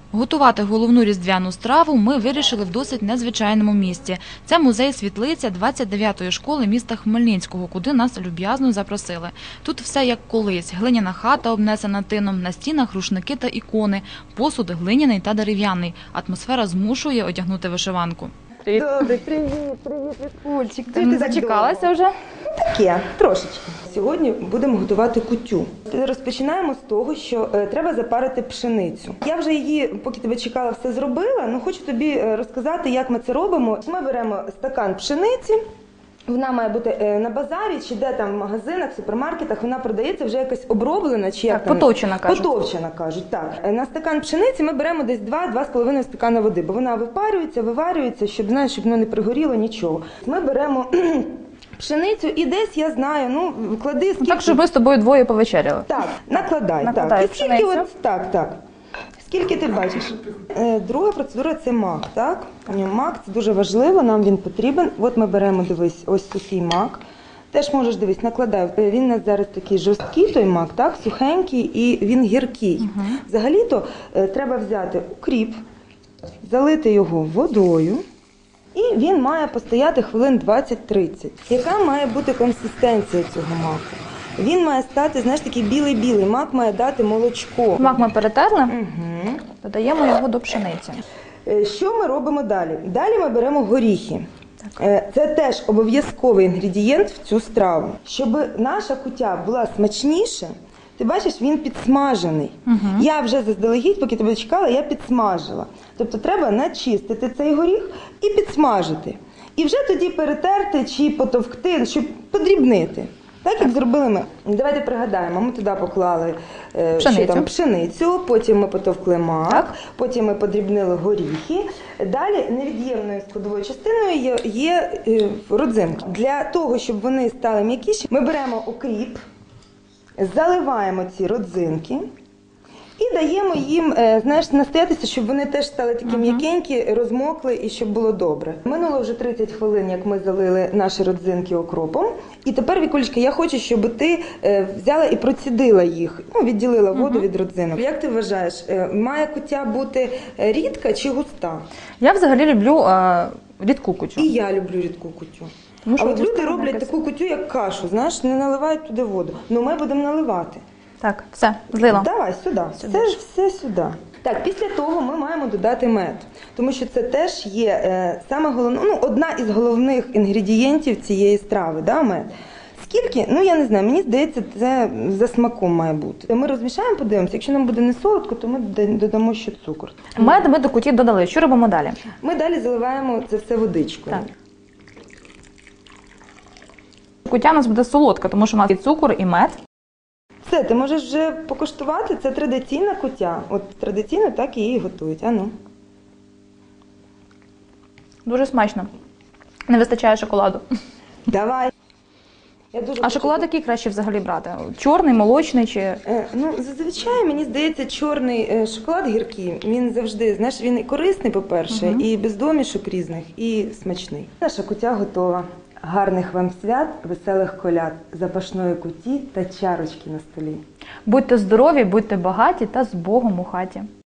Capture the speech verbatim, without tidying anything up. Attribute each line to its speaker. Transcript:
Speaker 1: Готувати головну різдвяну страву ми вирішили в досить незвичайному місці. Це музей-світлиця двадцять дев'ятої школи міста Хмельницького, куди нас люб'язно запросили. Тут все як колись. Глиняна хата, обнесена тином, на стінах рушники та ікони, посуд глиняний та дерев'яний. Атмосфера змушує одягнути вишиванку.
Speaker 2: Привіт. Добре, привіт, привіт, Вікульчик.
Speaker 1: Ти, ти зачекалася вже?
Speaker 2: Таке, трошечки. Сьогодні будемо готувати кутю. Розпочинаємо з того, що е, треба запарити пшеницю. Я вже її, поки тебе чекала, все зробила, але хочу тобі розказати, як ми це робимо. Ми беремо стакан пшениці. Вона має бути на базарі, чи де там в магазинах, в супермаркетах, вона продається вже якась оброблена, чи як
Speaker 1: так,
Speaker 2: там?
Speaker 1: Потовчена, кажуть.
Speaker 2: Потовчена, кажуть, так. На стакан пшениці ми беремо десь два-два з половиною стакана води, бо вона випарюється, виварюється, щоб, знаєш, щоб воно не пригоріло, нічого. Ми беремо пшеницю і десь, я знаю, ну, клади скільки...
Speaker 1: Так, щоб ми з тобою двоє повечеряли.
Speaker 2: Так, накладай,
Speaker 1: накладай
Speaker 2: так. І скільки от, так, так. Скільки ти бачиш? Друга процедура – це мак, так? Мак – це дуже важливо, нам він потрібен. От ми беремо, дивись, ось сухий мак. Теж можеш, дивись, накладай. Він у нас зараз такий жорсткий, той мак, так? Сухенький і він гіркий. Угу. Взагалі-то треба взяти укріп, залити його водою. І він має постояти хвилин двадцять-тридцять. Яка має бути консистенція цього маку? Він має стати, знаєш, такий білий-білий. Мак має дати молочко.
Speaker 1: Мак ми перетерли,
Speaker 2: угу.
Speaker 1: Додаємо його до пшениці.
Speaker 2: Що ми робимо далі? Далі ми беремо горіхи. Так. Це теж обов'язковий інгредієнт в цю страву. Щоб наша кутя була смачніша, ти бачиш, він підсмажений. Угу. Я вже заздалегідь, поки тебе чекала, я підсмажила. Тобто треба начистити цей горіх і підсмажити. І вже тоді перетерти чи потовкти, щоб подрібнити. Так, як зробили ми. Давайте пригадаємо, ми туди поклали пшеницю, що там, пшеницю, потім ми потовкли мак, так. Потім ми подрібнили горіхи. Далі невід'ємною складовою частиною є, є родзинки. Для того, щоб вони стали м'якіші, ми беремо укріп, заливаємо ці родзинки і даємо їм, знаєш, настоятися, щоб вони теж стали такі uh-huh. м'якенькі, розмокли і щоб було добре. Минуло вже тридцять хвилин, як ми залили наші родзинки окропом. І тепер, Вікулечка, я хочу, щоб ти взяла і процідила їх, ну, відділила воду uh-huh. від родзинок. Як ти вважаєш, має кутя бути рідка чи густа?
Speaker 1: Я взагалі люблю е, рідку кутю.
Speaker 2: І я люблю рідку кутю. Тому а от люди роблять якась... таку кутю, як кашу, знаєш, не наливають туди воду. Ну ми будемо наливати.
Speaker 1: Так, все, злила.
Speaker 2: Давай, сюди. сюди. Це ж все сюди. Так, після того ми маємо додати мед, тому що це теж є е, саме головне, ну, одна із головних інгредієнтів цієї страви, да, мед. Скільки? Ну, я не знаю, мені здається, це за смаком має бути. Ми розмішаємо, подивимося, якщо нам буде не солодко, то ми додамо ще цукор.
Speaker 1: Мед ми до куті додали, що робимо далі?
Speaker 2: Ми далі заливаємо це все водичкою.
Speaker 1: Так. Кутя у нас буде солодка, тому що у нас і цукор, і мед.
Speaker 2: Все, ти можеш вже покуштувати, це традиційна кутя. От традиційно так і її готують. А ну.
Speaker 1: Дуже смачно. Не вистачає шоколаду.
Speaker 2: Давай. Я дуже
Speaker 1: а шоколад який краще взагалі брати? Чорний, молочний чи?
Speaker 2: Е, ну, зазвичай, мені здається, чорний е, шоколад гіркий, він завжди, знаєш, він і корисний, по-перше, угу. і без домішок різних, і смачний. Наша кутя готова. Гарних вам свят, веселих коляд, запашної куті та чарочки на столі.
Speaker 1: Будьте здорові, будьте багаті та з Богом у хаті.